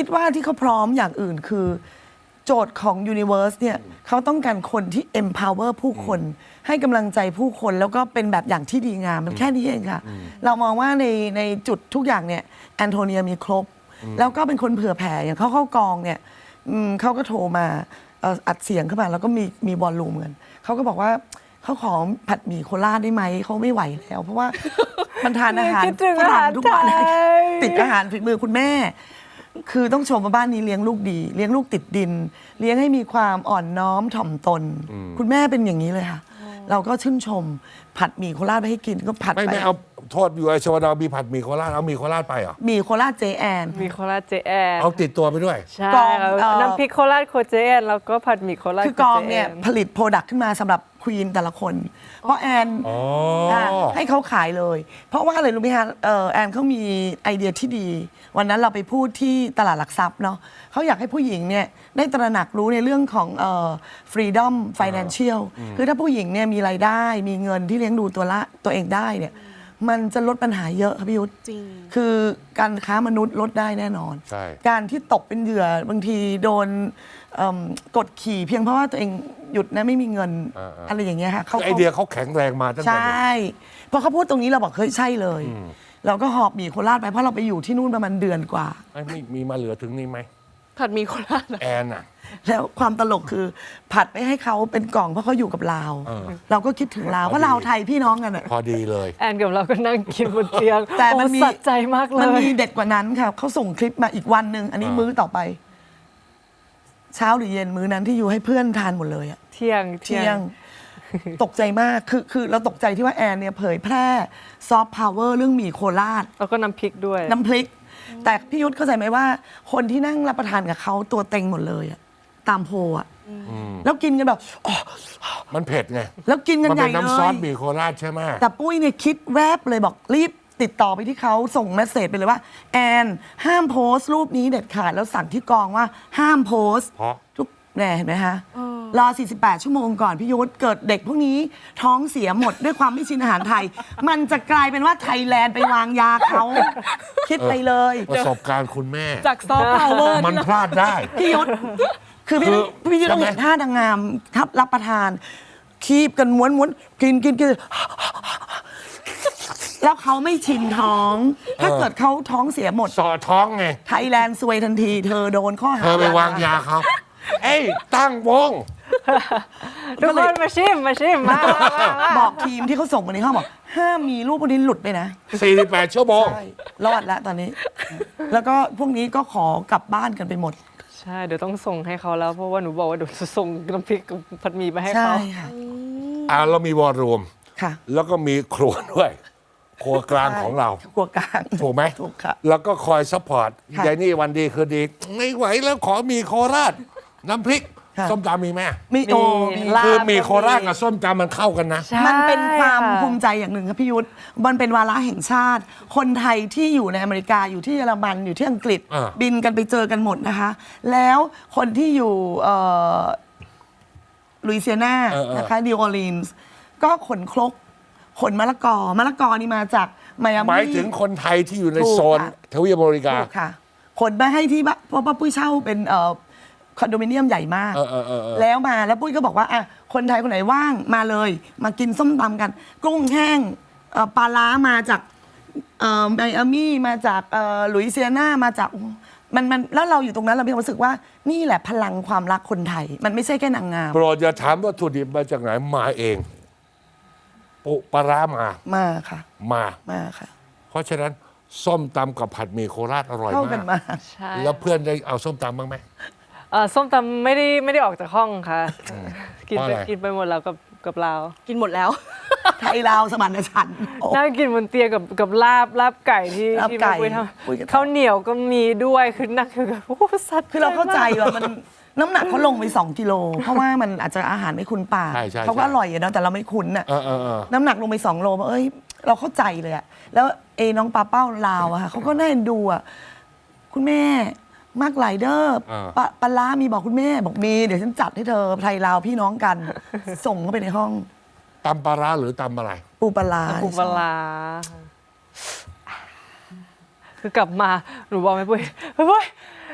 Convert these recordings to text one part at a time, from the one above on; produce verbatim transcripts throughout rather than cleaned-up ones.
คิดว่าที่เขาพร้อมอย่างอื่นคือโจทย์ของ Universe เนี่ยเขาต้องการคนที่ empower ผู้คนให้กำลังใจผู้คนแล้วก็เป็นแบบอย่างที่ดีงามมันแค่นี้เองค่ะ เรามองว่าในในจุดทุกอย่างเนี่ยแอนโทเนียมีครบ แล้วก็เป็นคนเผื่อแผ่อย่างเขาเข้ากองเนี่ยอืมเขาก็โทรมาเอ่ออัดเสียงเข้ามาแล้วก็มีมีบอลลูมกันเขาก็บอกว่าเขาขอผัดหมี่โคราชได้ไหมเขาไม่ไหวแล้ว เพราะว่ามันทานอาหารคิดถึงฝอารั่หาง รทุกไทวันยติดอาหารฝีมือคุณแม่ คือต้องชมว่าบ้านนี้เลี้ยงลูกดี เลี้ยงลูกติดดิน เลี้ยงให้มีความอ่อนน้อมถ่อมตน คุณแม่เป็นอย่างนี้เลยค่ะ เราก็ชื่นชมผัดหมี่โคราชไปให้กินก็ผัดไม่ไปไม่เอาโทษอยู่ไอชวดามีผัดหมี่โคราชเอาหมี่โคราชไปเหรอหมี่โคราชเจแอนมีโคราชเจแอนเอาติดตัวไปด้วยใช่กองครับเอ่อน้ำพริกโคราชโคเจแอนแล้วก็ผัดหมี่โคราชคือกองเนี่ยโคจแผลิตโปรดักต์ขึ้นมาสำหรับควีนแต่ละคน เพราะแอนอ๋อค่ะให้เขาขายเลย เพราะว่าอะไรรู้ไหมคะเอ่อแอนเขามีไอเดียที่ดี วันนั้นเราไปพูดที่ตลาดหลักทรัพย์เนาะเขาอยากให้ผู้หญิงเนี่ยได้ตระหนักรู้ในเรื่องของเอ่อ freedom financial คือถ้าผู้หญิงเนี่ยมีรายได้ มีเงินที่เลี้ยงดูตัวละตัวเองได้เนี่ยมันจะลดปัญหาเยอะค่ะพี่ยุทธจริงคือการค้ามนุษย์ลดได้แน่นอนใช่การที่ตกเป็นเหยื่อบางทีโดนเอิ่มกดขี่เพียงเพราะว่าตัวเองหยุดนะไม่มีเงินอ่าๆอะไรอย่างเงี้ยค่ะเขาไอเดียเขาแข็งแรงมาตั้งใชแต่เด็ก่พอเขาพูดตรงนี้เราบอกเฮ้ยใช่เลย เราก็หอบหมี่โคราชไปเพราะเราไปอยู่ที่นู่นประมาณเดือนกว่าไอ้ไม่มีมาเหลือถึงนี่ไหมผัดหมีโคราชเหรอแอนอ่ะแล้วความตลกคือผัดไปให้เขาเป็นกล่องเพราะเขาอยู่กับลาวเออเราก็คิดถึงลาวเพราะลาวไทยพี่น้องกันอะพอดีเลยแอนกับเราก็นั่งกินบนเตียงแต่มันโอ้มีสัใจมากเลมันยมีเด็ดกว่านั้นค่ะเขาส่งคลิปมาอีกวันหนึ่งอันนี้อ่ามื้อต่อไป เช้าหรือเย็นมื้อนั้นที่อยู่ให้เพื่อนทานหมดเลยอะเที่ยงเที่ยง ตกใจมากคือคือเราตกใจที่ว่าแอนเนี่ยเผยแพร่ซอฟต์พาวเวอร์เรื่องหมี่โคราชแล้วก็น้ำพริกด้วยน้ำพริก แต่พี่ยุทธเข้าใจไหมว่า คนที่นั่งรับประทานกับเขาตัวเต็งหมดเลยอะตามโพลอะแล้วกินกันแบบอ๋อมันเผ็ดไงแล้วกินกันมันใหเป็ญ่นเลน้ำซอสยหมี่โคราชใช่ไหมแต่ปุ้ยเนี่ยคิดแวบเลยบอกรีบติดต่อไปที่เขาส่งเมสเซจไปเลยว่า แอนห้ามโพสต์รูปนี้เด็ดขาดแล้วสั่งที่กองว่าห้ามโพสต์เพราะทุกแน่เห็นไหมคะรอ สี่สิบแปด ชั่วโมงก่อนพี่ยุทธเกิดเด็กพวกนี้ท้องเสียหมดด้วยความไม่ชินอาหารไทย มันจะกลายเป็นว่าไทยแลนด์ไปวางยาเขา คิดไปเลยประสบการณ์คุณแม่จากซอฟต์พาวเวอร์มันพลาดได้พี่ยุทธคือพี่คือพี่ยุทธต้องใช่ไหมเห็นท่านางงามทับรับประทาน คีบกันม้วนม้วนกินกินกิน แล้วเขาไม่ชินท้อง ถ้าเกิดเขาท้องเสียหมดสอท้องไงไทยแลนด์ซวยทันที เธอโดนข้อหาเธอไปวางยาเขา เอ้ย ตั้งวงทุกคนมาชิมมาชิมมามามาบอกทีมที่เขาส่งมาในห้องบอกห้ามมีรูปพวกนี้หลุดไปนะสี่สิบแปด ชั่วโมงใช่ รอดแล้วตอนนี้ แล้วก็พวกนี้ก็ขอกลับบ้านกันไปหมดใช่เดี๋ยวต้องส่งให้เขาแล้ว เพราะว่าหนูบอกว่าเดี๋ยวจะส่งน้ำพริกกับผัดหมี่ไปให้ใช่เขาค่ะอ่าเรามีวอร์รูมค่ะแล้วก็มีครัวด้วย ครัวกลางของเราครัวกลางถูกไหมถูกค่ะแล้วก็คอยซัพพอร์ตค่ะยายนี่วันดีคือดี ไม่ไหวแล้วขอมีโคราช น้ำพริกค่ะส้มตำมีไหมมีโอมีมีลาบคือมีโคราชกับส้มตำมันเข้ากันนะใช่มันเป็นความะภูมิใจอย่างหนึ่งครับพี่ยุทธมันเป็นวาระแห่งชาติ คนไทยที่อยู่ในอเมริกาอยู่ที่เยอรมันอยู่ที่อังกฤษอ่าบินกันไปเจอกันหมดนะคะ แล้วคนที่อยู่เอ่อลุยเซียนาเออเออนะคะนิวออร์ลีนส์ก็ขนครกขนมะละกอมะละกอนี่มาจากไมอามี่หมายถึงคนไทยที่อยู่ในถูกโซนค่ะทวีปอเมริกาถูกค่ะขนมาให้ที่บ้านเพราะว่าปุ้ยเช่าเป็นเอ่อคอนโดมิเนียมใหญ่มากเออเออเออเออแล้วมาแล้วปุ้ยก็บอกว่าอ่ะคนไทยคนไหนว่างมาเลย มากินส้มตำกัน กุ้งแห้งเอ่อปลาล้ามาจากเอ่อไมอามี่มาจากเอ่อลุยเซียนามาจากโอ้มันมันแล้วเราอยู่ตรงนั้นเรามีความรู้สึกว่านี่แหละพลังความรักคนไทย มันไม่ใช่แค่นางงามโปรดอย่าถามวัตถุดิบมาจากไหนมาเองปุปลาร้ามามาค่ะมามาค่ะเพราะฉะนั้นส้มตำกับผัดหมี่โคราชอร่อยเข้ากันมากมากใช่แล้วเพื่อนได้เอาส้มตำบ้างไหมเอ่อส้มตำไม่ได้ไม่ได้ออกจากห้องค่ะ กินเพราะไปอะไรกินไปหมดแล้วกับกับเรากินหมดแล้วไทยลาวสมานฉันท์โอ้นั่งกินบนเตียงกับกับลาบลาบไก่ที่ลาบที่ไก่แม่ปุ้ยทปุ้ยก็ทำำข้าวเหนียวก็มีด้วยคือนั่งคือแบบโอ้โหสัตว์คือเราเข้าใจว่ามันน้ำหนักเขาลงไปสองกิโล เพราะว่ามันอาจจะอาหารไม่คุ้นปากใช่ใช่เขาก็ใช่อร่อยอะเนาะแต่เราไม่คุ้นอะเออเออเออน้ำหนักลงไปสองโลบอกเอ้ยเราเข้าใจเลยอะแล้วเอน้องปลาเป้าลาวอะค่ะเขาก็น่าเอ็นดูอะคุณแม่มากหลายเด้ออ่าปลาปลาร้ามีบอกคุณแม่ บอกมีเดี๋ยวฉันจัดให้เธอไทยลาวพี่น้องกัน ส่งเข้าไปในห้องตำปลาร้าหรือตำอะไรปูปลาร้าปูปลาร้าคือกลับมาหนูบอกแม่ปุ้ยแม่ปุ้ย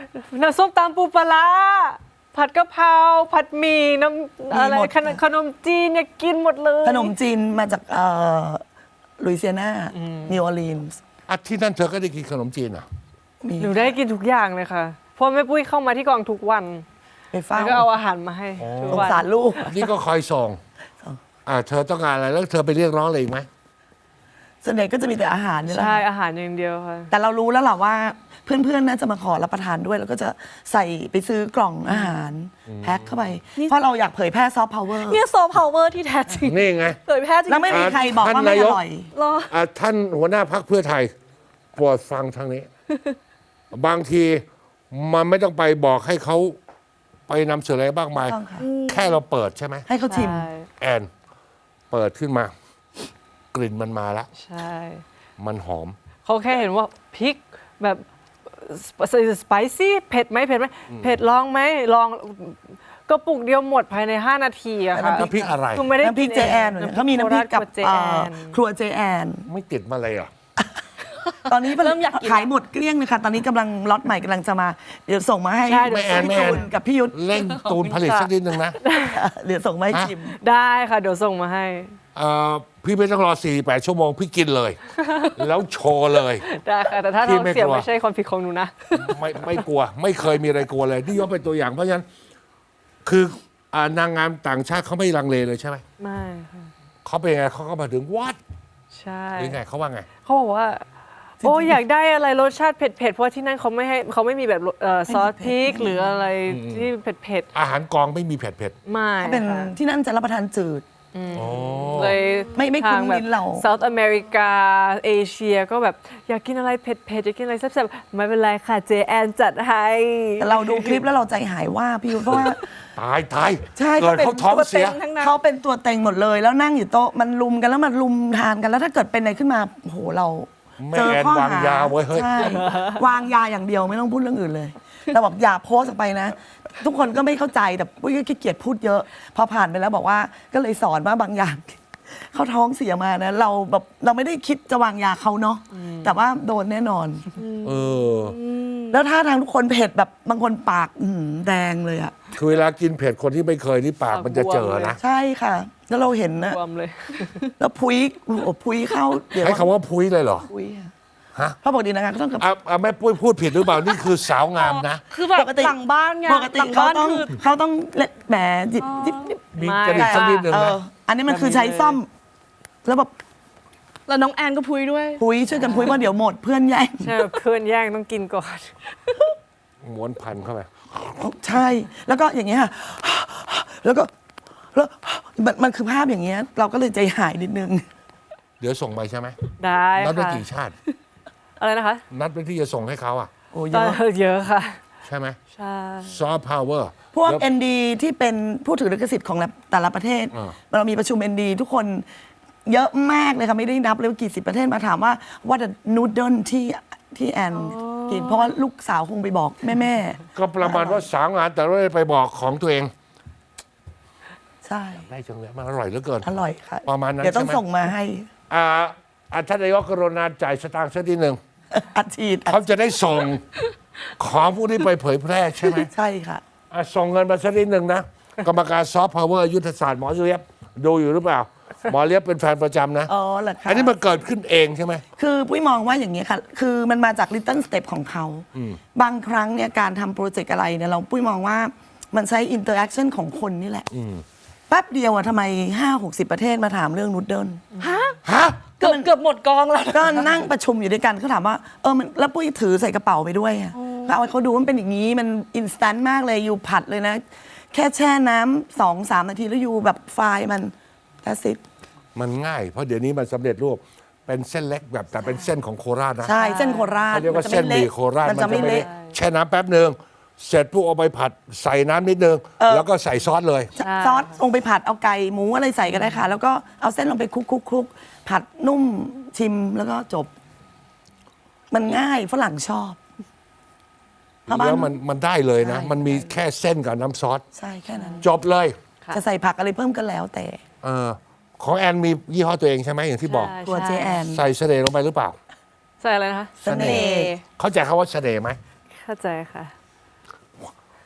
น้ำส้มตำปูปลาร้าผัดกะเพราผัดหมี่น้ำอะไรมีหมดขนมขนมจีนเนี่ยกินหมดเลยขนมจีนมาจากเอ่อลุยเซียนานิวออร์ลีนส์อ่ะที่นั่นเธอก็ได้กินขนมจีนเหรอ่ะมีหนูได้กินทุกอย่างเลยค่ะเพราะแม่ปุ้ยเข้ามาที่กองทุกวันไปเฝ้าแล้วก็เอาอาหารมาให้ทุกสงวันสารลูกนี่ก็คอยส่งอ่าเธอต้องการอะไรแล้วเธอไปเรียกร้องอะไรอีกไหมส่วนใหญ่ก็จะมีแต่อาหารนี่แหละใช่อาหารอย่างเดียวค่ะแต่เรารู้แล้วล่ะว่าเพื่อนๆน่าจะมาขอรับประทานด้วย แล้วก็จะใส่ไปซื้อกล่องอาหารแพ็คเข้าไป เพราะเราอยากเผยแพร่ซอฟต์พาวเวอร์เนี่ยโซพาวเวอร์ที่แท้จริงนี่ไงเผยแพร่จริงแล้วไม่มีใครบอกว่าไม่อร่อยรออ่ะท่านหัวหน้าพักเพื่อไทยโปรดฟังทางนี้ บางทีมันไม่ต้องไปบอกให้เขาไปนำเสนออะไรบ้างมายต้องค่ะแค่เราเปิดใช่ไหมให้เขาชิมใช่แอนเปิดขึ้นมา กลิ่นมันมาแล้วใช่มันหอมเขาแค่เห็นว่าพริกแบบสไปซี่เผ็ดไหมเผ็ดไหมเผ็ดลองไหมลองก็ปุกเดียวหมดภายใน ห้า นาทีอะค่ะน้ำพริกอะไรคือไม่ได้น้ำพริกเจแอนเขามีน้ำพริกกับเจเอ่แออน ครัวเจแอนไม่ติดมาเลยเหรอตอนนี้เริ่มอยากกินขายหมดเกลี้ยงเลยค่ะ ตอนนี้กำลังล็อตใหม่กำลังจะมา เดี๋ยวส่งมาให้ใช่ไม่แอนไม่พี่แอนตูนกับพี่ยุทธเร่งตูนผลิตสักนิดนึงนะเดี๋ยวส่งมาให้ฮะชิมได้ค่ะเดี๋ยวส่งมาให้เอ่อพี่ไม่ต้องรอสี่แปดชั่วโมง พี่กินเลย แล้วโชว์เลยได้ค่ะแต่ถ้าพี่ท้องไม่เสียกลัวไม่ใช่ความผิดของหนูนะไม่ไม่กลัว ไม่เคยมีอะไรกลัวเลยนี่ยกเป็นตัวอย่างเพราะฉะนั้น คืออ่านางงามต่างชาติเขาไม่ลังเลเลยใช่ไหมไม่ค่ะเขาเป็นไงเขาก็มาถึงวัดใช่หรือไงเขาว่าไงเขาบอกว่า โอ้อยากได้อะไรรสชาติเผ็ดๆเพราะที่นั่นเขาไม่ให้เขาไม่มีแบบเอ่อซอสพริกหรืออะไรที่เผ็ดอาหารกองไม่มีเผ็ดเผ็ดๆไม่ถ้าเป็นค่ะที่นั่นจะรับประทานจืดๆอ๋อเลยไม่ไม่คุ้นทางแบบลิ้นเราเซาท์อเมริกาเอเชียก็แบบอยากกินอะไรเผ็ดๆอยากกินอะไรแซ่บๆไม่เป็นไรค่ะเจแอนจัดให้แต่เราดูคลิปแล้วเราใจหายว่าพี่ยุทธเพราะว่าตายตายใช่เกิดเขาท้องเสียขาเป็นตัวต็งทั้งนั้นเขาเป็นตัวเต็งหมดเลย แล้วนั่งอยู่โต๊ะมันลุมกันแล้วมันลุมทานกันแล้วถ้าเกิดเป็นอะไรขึ้นมาโอ้โหเราแม่เจอแอนข้อวางหายาไว้เฮ้ยใช่วางยาอย่างเดียวไม่ต้องพูดเรื่องอื่นเลยเราบอกอย่าโพสต์ออกไปนะ ทุกคนก็ไม่เข้าใจแต่ปุ้ยก็ขี้เกียจพูดเยอะ พอผ่านไปแล้วบอกว่าก็เลยสอนว่าบางอย่าง เขาท้องเสียมานะเราแบบเราไม่ได้คิดจะวางยาเขาเนาะแต่ว่าโดนแน่นอนเออแล้วท่าทางทุกคนเผ็ดแบบบางคนปากอื้อหือแดงเลยอะคือเวลากินเผ็ดคนที่ไม่เคยนี่ปากมันจะเจอนะใช่ค่ะ แล้วเราเห็นนะรวมเลยแล้วพุยโอ้โหพุยเข้าเดี๋ยวใช้คำว่าพุ้ยเลยเหรอพุยอะฮะเพราะปกตินะคะก็ต้องกับอ่ะอ่ะแม่ปุ้ยพูดผิดหรือเปล่า นี่คือสาวงามนะคือแบบปกติหลังบ้านไงปกติหลังเขาบ้านต้องคือเขาต้องเละแหมจิบจิบจิบมีไม่จริตสักนิดหนึ่งเอนะออันนี้มันคือใช้ซ่อม แล้วแบบแล้วน้องแอนก็พุยด้วยพุยช่วยกันพุยว่าเดี๋ยวหมดเพื่อนแย่งใช่เพื่อนแย่งต้องกินก่อนม้วนพันเข้าไปใช่ แล้วก็อย่างเงี้ยค่ะแล้วก็แล้วมันมันคือภาพอย่างเงี้ย เราก็เลยใจหายนิดนึงเดี๋ยวส่งไปใช่ไหมได้นัดไว้ค่ะกี่ชาติอะไรนะคะนัดไว้ที่จะส่งให้เขาอ่ะโอ้เยตอนอะเยอะค่ะใช่ไหมใช่ซอฟต์พาวเวอร์พวก เอ็น ดี ที่เป็นผู้ถือลิขสิทธิ์ของแต่ละประเทศอ่าเรามีประชุม เอ็น ดี ทุกคนเยอะมากเลยค่ะ ไม่ได้นับเลยว่ากี่สิบประเทศมาถามว่าว่าจะนูดเดิลที่ที่แอนกินเพราะว่าลูกสาวคงไปบอกแม่แม่ก็ประมาณว่าสาวงานแต่ไม่ได้ไปบอกของตัวเองๆใช่ได้จังเลยมันอร่อยเหลือเกินอร่อยค่ะประมาณนั้นเดี๋ยวต้องใช่ไหมส่งมาให้อ่าอ่าท่านนายกกรุณาจ่ายสตางค์สักทีหนึ่งอัดฉีดอัดเขาจะได้ส่งของพวกนี้ไปเผยแพร่ใช่ไหมใช่ค่ะอ่ะส่งเงินมาสักนิดหนึ่งนะ กรรมการซอฟต์พาวเวอร์ยุทธศาสตร์หมอเลียบดูอยู่หรือเปล่า หมอเลียบเป็นแฟนประจำนะอ๋อเหรอคะอันนี้มันเกิดขึ้นเองใช่ไหมคือปุ้ยมองว่าอย่างนี้ยค่ะ คือมันมาจาก Little Step ของเขา บางครั้งเนี่ยการทำโปรเจกต์อะไรเนี่ยเราปุ้ยมองว่ามันใช้ interaction ของคนนี่แหละแป๊บเดียวอะทำไมห้าหกสิบประเทศมาถามเรื่องนูดเดิลฮะฮะเกือบเกือบหมดกองแล้วก็นั่งประชุมอยู่ด้วยกันเขาถามว่าเออมันแล้วปุ้ยถือใส่กระเป๋าไปด้วยอะก็เอาให้เขาดูว่ามันเป็นอย่างนี้มันอินสแตนต์มากเลยอยู่ผัดเลยนะ แค่แช่น้ำสองสามนาทีแล้วอยู่แบบไฟล์มันแค่สิบมันง่าย เพราะเดี๋ยวนี้มันสำเร็จรูปเป็นเส้นเล็กแบบแต่เป็นเส้นของโคราชนะใช่เส้นโคราชเขาเรียกว่าเส้นหมี่โคราชมันจะไม่เละแช่น้ำแป๊บหนึ่งเสร็จปุ๊บเอาไปผัดใส่น้ำนิดนึง แล้วก็ใส่ซอสเลยซอสลงไปผัดเอาไก่หมูอะไรใส่ก็ได้ค่ะ แล้วก็เอาเส้นลงไปคลุกคลุกคลุกผัดนุ่มชิมแล้วก็จบ มันง่ายฝรั่งชอบเพราะบ้าแล้วมันมันได้เลยนะใช่มันมีแค่เส้นกับน้ำซอสใช่แค่นั้นจบเลยค่ะจะใส่ผักอะไรเพิ่มก็แล้วแต่เออของแอนมียี่ห้อตัวเองใช่ไหมอย่างที่บอกใช่ตัวเจแอนใส่เสน่ห์ลงไปหรือเปล่าใส่อะไรนะคะเสน่ห์เข้าใจคำว่าเสน่ห์ไหมเข้าใจค่ะ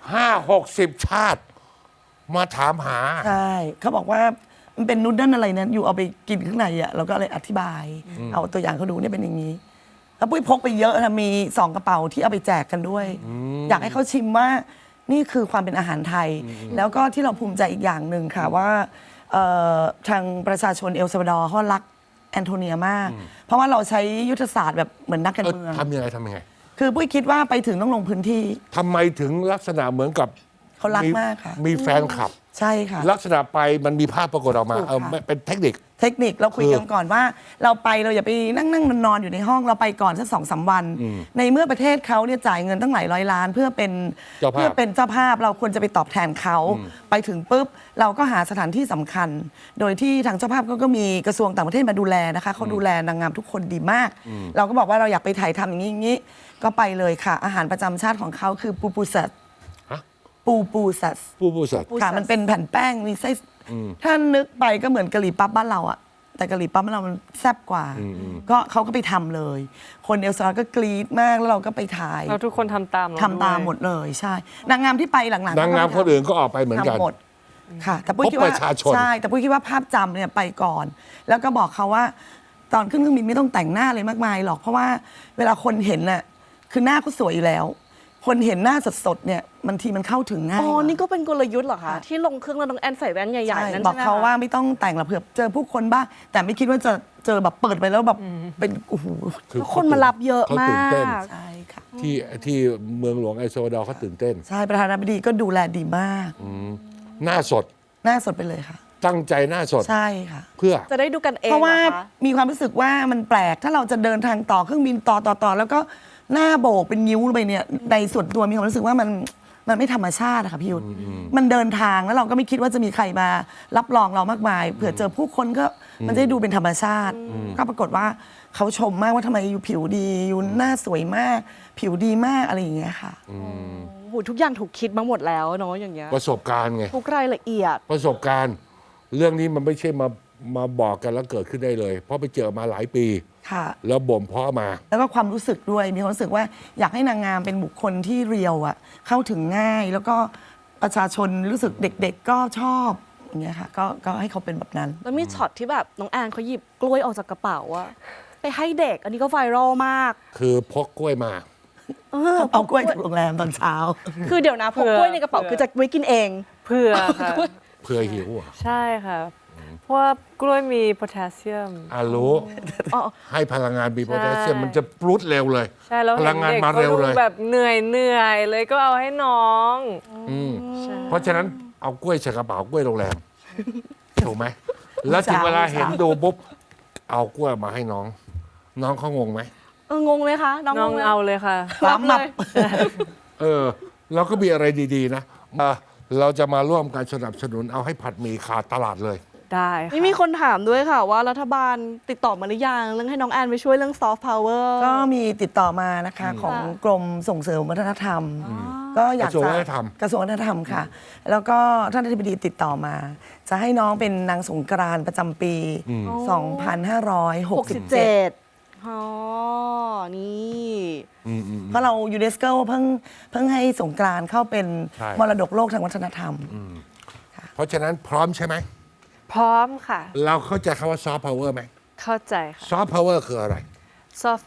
ห้าหกสิบชาติ มาถามหาใช่เขาบอกว่ามันเป็นนูดเดิลอะไรนั้นอยู่เอาไปกินข้างในอ่ะเราก็เลยอธิบาย เอาตัวอย่างเขาดูเนี่ยเป็นอย่างนี้ แล้วปุ้ยพกไปเยอะนะมีสองกระเป๋าที่เอาไปแจกกันด้วย อยากให้เขาชิมว่านี่คือความเป็นอาหารไทย แล้วก็ที่เราภูมิใจอีกอย่างหนึ่งค่ะว่าเอ่อทางประชาชนเอลซัลวาดอร์เขารักแอนโทเนียมาก เพราะว่าเราใช้ยุทธศาสตร์แบบเหมือนนักการเออเมืองทำยังไงทำยังไงคือปุ้ยคิดว่าไปถึงต้องลงพื้นที่ทำไมถึงลักษณะเหมือนกับเขารักมากค่ะมีแฟนคลับใช่ค่ะลักษณะไปมันมีภาพปรากฏออกมาถูกค่ะเออไม่เป็นเทคนิคเทคนิคเราคุยกันก่อนว่าเราไปเราอย่าไปนั่งนั่งนอนๆอยู่ในห้องเราไปก่อนสักสองสามวัน ในเมื่อประเทศเขาเนี่ยจ่ายเงินตั้งหลายร้อยล้าน เพื่อเป็นเจ้าภาพเพื่อเป็นเจ้าภาพเราควรจะไปตอบแทนเขาไปถึงปุ๊บเราก็หาสถานที่สำคัญ โดยที่ทางเจ้าภาพเขาก็มีกระทรวงต่างประเทศมาดูแลนะคะเขาดูแลนางงามทุกคนดีมาก เราก็บอกว่าเราอยากไปถ่ายทำอย่างนี้อย่างนี้ก็ไปเลยค่ะ อาหารประจำชาติของเขาคือปูปูสัตฮะปูปูสัตผู้ผู้สัตว์ค่ะมันเป็นแผ่นแป้งมีไส้ถ้านึกไปก็เหมือนกะหรี่ปั๊บบ้านเราอะแต่กะหรี่ปั๊บบ้านเรามันแซ่บกว่า ก็เขาก็ไปทำเลย คนเอลซาลก็กรี๊ดมากแล้วเราก็ไปถ่ายเราทุกคนทำตามเรทำตามด้วยหมดเลยใช่ นางงามที่ไปหลังๆนางงามคนอื่นก็ออกไปเหมือนกันทำหมดค่ะ แต่ปุ้ยคิดพบว่าประชาชนใช่แต่ปุ้ยคิดว่าภาพจำเนี่ยไปก่อน แล้วก็บอกเขาว่าตอนขึ้นเครื่องบินไม่ต้องแต่งหน้าเลยมากมายหรอกเพราะว่าเวลาคนเห็นน่ะคือหน้าเขาสวยอยู่แล้ว คนเห็นหน้าสดๆเนี่ยบางทีมันเข้าถึงง่ายอ๋อกว่านี่ก็เป็นกลยุทธ์เหรอคะ ที่ลงเครื่องแล้วน้องแอนใส่แว่นใหญ่ใช่ๆ นั่นบอใช่กไหมเขาคะว่าไม่ต้องแต่งหรอกเผื่อเจอผู้คนบ้างแต่ไม่คิดว่าจะเจอแบบเปิดไปแล้วแบบเป็นโอ้โหคือแล้วคนมารับเยอะเขามาตื่นเต้นกใช่ค่ะที่ที่เมืองหลวงไอโซดอร์เขาตื่นเต้นใช่ประธานาธิบดีก็ดูแลดีมากหน้าสดหน้าสดไปเลยค่ะตั้งใจหน้าสดใช่ค่ะเพื่อจะได้ดูกันเองเพราะว่าหอคมีความรู้สึกว่ามันแปลกถ้าเราจะเดินทางต่อเครื่องบินต่อต่อต่อแล้วก็หน้าโบกเป็นนิ้วไปเนี่ยในส่วนตัวมีความรู้สึกว่ามันมันไม่ธรรมชาติอะค่ะพี่ยุทธมันเดินทางแล้วเราก็ไม่คิดว่าจะมีใครมารับรองเรามากมายเผื่อเจอผู้คนก็มันจะได้ดูเป็นธรรมชาติ ก็ปรากฏว่าเขาชมมากว่าทำไมอยู่ผิวดีอยู่หน้าสวยมาก ผิวดีมากอะไรอย่างเงี้ยค่ะโอ้โหทุกอย่างถูกคิดมาหมดแล้วเนาะอย่างเงี้ยประสบการณ์ไงทุกรายละเอียดประสบการณ์ เรื่องนี้มันไม่ใช่มามาบอกกันแล้วเกิดขึ้นได้เลย เพราะไปเจอมาหลายปีค่ะแล้วบ่มเพาะมาแล้วก็ความรู้สึกด้วยมีความรู้สึกว่าอยากให้นางงามเป็นบุคคลที่เรียวอะเข้าถึงง่าย แล้วก็ประชาชนรู้สึกเด็กๆก็ชอบอย่างเงี้ยค่ะก็ก็ให้เขาเป็นแบบนั้นแล้วมีช็อตที่แบบน้องแอนเขาหยิบกล้วยออกจากกระเป๋าอะไปให้เด็ก อันนี้ก็ไวรัลมากคือพกกล้วยมาเออเอากล้วยจากโรงแรมตอนเช้าคือเดี๋ยวนะพกกล้วยในกระเป๋าคือจะไว้กินเองเพื่อค่ะเพื่อหิวอ่ะใช่ค่ะ เพราะว่ากล้วยมีโพแทสเซียมอ่ะรู้อ๋อให้พลังงานมีโพแทสเซียมใช่มันจะปรุดเร็วเลยใช่แล้วพเห็ลันงงานเด็กมาเขาเร็วดูเลยแบบเหนื่อยเหนื่อยเลยก็เอาให้น้องอืมใช่เพราะฉะนั้นเอากล้วยใส่กระเป๋ากล้วยโรงแรม ถูกไหม แล้วถึงเวลาเห็นดูปุ๊บ เอากล้วยมาให้น้อง น้องเขางงไหมเอองงไหมคะ น้องน้องงไหมเอาเลยค่ะรับเลยเออเราก็มีอะไรดีๆนะเอ่อเราจะมาร่วมกันสนับสนุนเอาให้ผัดหมี่ขาดตลาดเลยได้ค่ะนี่มีคนถามด้วยค่ะ ว่ารัฐบาลติดต่อมาหรือยังเรื่องให้น้องแอนไปช่วยเรื่องซอฟต์พาวเวอร์ก็มีติดต่อมานะคะของกรมส่งเสริมวัฒนธรรม ก็อยากกระทรวงจะวัฒนธรรมกระทรวงวัฒนธรรมค่ะ แล้วก็ท่านอธิบดีติดต่อมา จะให้น้องเป็นนางสงกรานต์ประจำปี สองพันห้าร้อยหกสิบเจ็ดอ๋อ นี่อืมอืมเพราะเรายูเนสโกเพิ่งเพิ่งให้สงกรานต์เข้าเป็นใช่มรดกโลกทางวัฒนธรรมเพราะฉะนั้นพร้อมใช่ไหมพร้อมค่ะเราเข้าใจคำว่าซอฟต์พาวเวอร์ไหมเข้าใจค่ะซอฟต์พาวเวอร์คืออะไร soft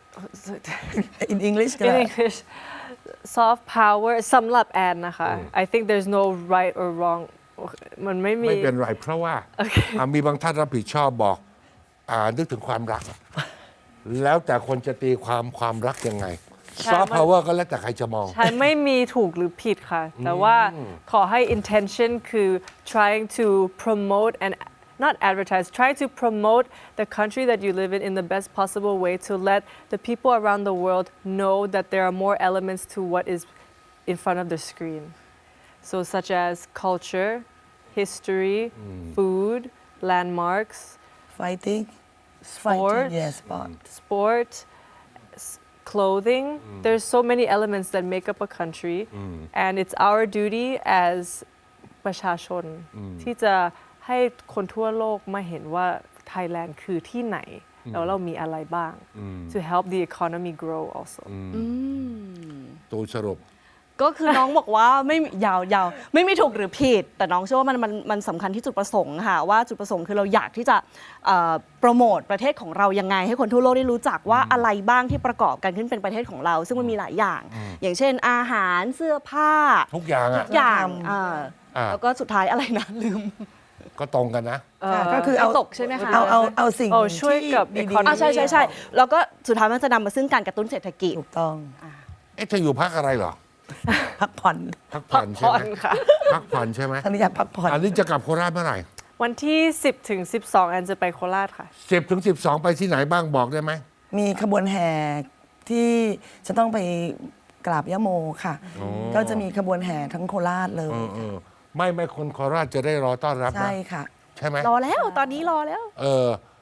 in English ก็ in ได้ English soft power สำหรับแอนนะคะ I think there's no right or wrong มันไม่มีไม่เป็นไร เพราะว่าอ่ะมีบางท่านรับผิดชอบบอกอ่านึกถึงความรัก แล้วแต่คนจะตีความความรักยังไงใช่ซอฟต์พาวเวอร์ก็แล้วแต่ใครจะมองใช่ไม่มีถูกหรือผิดค่ะ แต่ว่าขอให้ intention คือ trying to promote and not advertise try to promote the country that you live in in the best possible way to let the people around the world know that there are more elements to what is in front of the screen so such as culture history food landmarks fighting Sport. fighting yes sport sport, s- clothing. There's so many elements that make up a country, and it's our duty as ประชาชนที่จะให้คนทั่วโลกมาเห็นว่าไทยแลนด์คือที่ไหน แล้วเรามีอะไรบ้าง to help the economy grow also ตูสรุปก็คือน้องบอกว่าไม่มียาวยาวไม่มีถูกหรือผิด แต่น้องเชื่อว่ามันมันมันสำคัญที่จุดประสงค์ค่ะว่าจุดประสงค์คือเราอยากที่จะเอ่อโปรโมทประเทศของเรายังไง ให้คนทั่วโลกได้รู้จักว่าอะไรบ้างที่ประกอบกันขึ้นเป็นประเทศของเรา ซึ่งมันมีหลายอย่าง อย่างเช่นอาหารเสื้อผ้าทุกอย่างอ่ะทุกอย่างวัฒนธรรมอ่าอ่าแล้วก็สุดท้ายอะไรนะลืมก็ตรงกันนะค่ะก็คือเอาตกใช่ไหมคะเอาเอาเอาสิ่งโอ้ช่วยกับที่ดี economy อ่าใช่ใช่ใช่แล้วก็สุดท้ายมันจะนำมาซึ่งการกระตุ้นเศรษฐกิจถูกต้องเอ๊ะเธออยู่พักอะไรเหรอพักผ่อนพักผ่อนใช่ผ่อไหมนค่ะพักผ่อนใช่ไหมทางนี้อยากพักผ่อนอันนี้จะกลับโคราชเมื่อไหร่วันที่สิบถึงสิบสองแอนจะไปโคราชค่ะสิบถึงสิบสองไปที่ไหนบ้างบอกได้ไหมมีขบวนแห่ที่จะต้องไปกราบยะโมค่ะอ๋อก็จะมีขบวนแห่ทั้งโคราชเลยเออเออไม่ไม่คนโคราชจะได้รอต้อนรับนะใช่ค่ะใช่ไหมรอแล้วตอนนี้รอแล้วเออ